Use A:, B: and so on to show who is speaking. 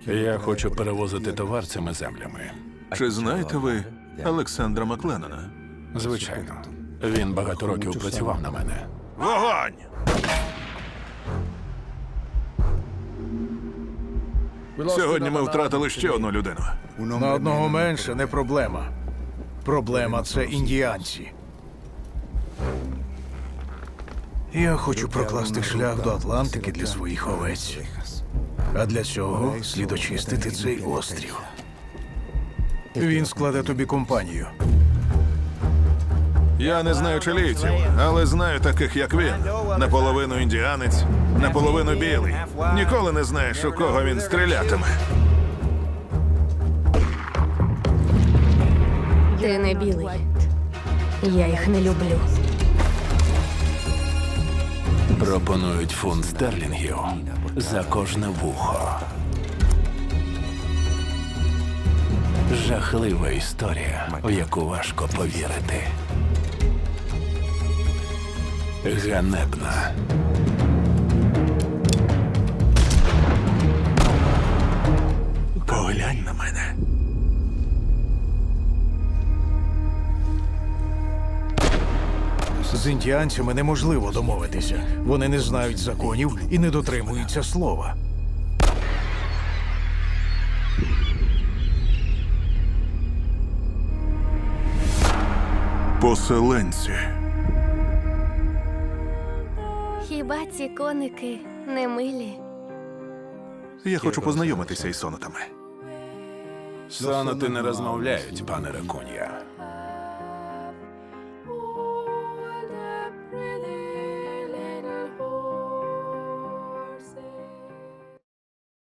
A: Я хочу перевозити товар цими землями.
B: Чи знаєте ви Олександра Макленнона?
A: Звичайно. Він багато років працював на мене.
B: Вогонь! Сьогодні ми втратили ще одну людину.
C: На одного менше не проблема. Проблема – це індіанці. Я хочу прокласти шлях до Атлантики для своїх овець. А для цього слід очистити цей острів. Він складе тобі компанію.
B: Я не знаю чилійців, але знаю таких, як він. Наполовину індіанець, наполовину білий. Ніколи не знаєш, у кого він стрілятиме.
D: Ти не білий. Я їх не люблю.
A: Пропонують фунт стерлінгів за кожне вухо. Жахлива історія, в яку важко повірити. Ганебна.
B: Поглянь на мене.
C: З індіанцями неможливо домовитися. Вони не знають законів і не дотримуються слова.
B: Поселенці.
D: Хіба ці коники не милі?
B: Я хочу познайомитися із сонатами.
A: Соноти не розмовляють, пане Ракун'я.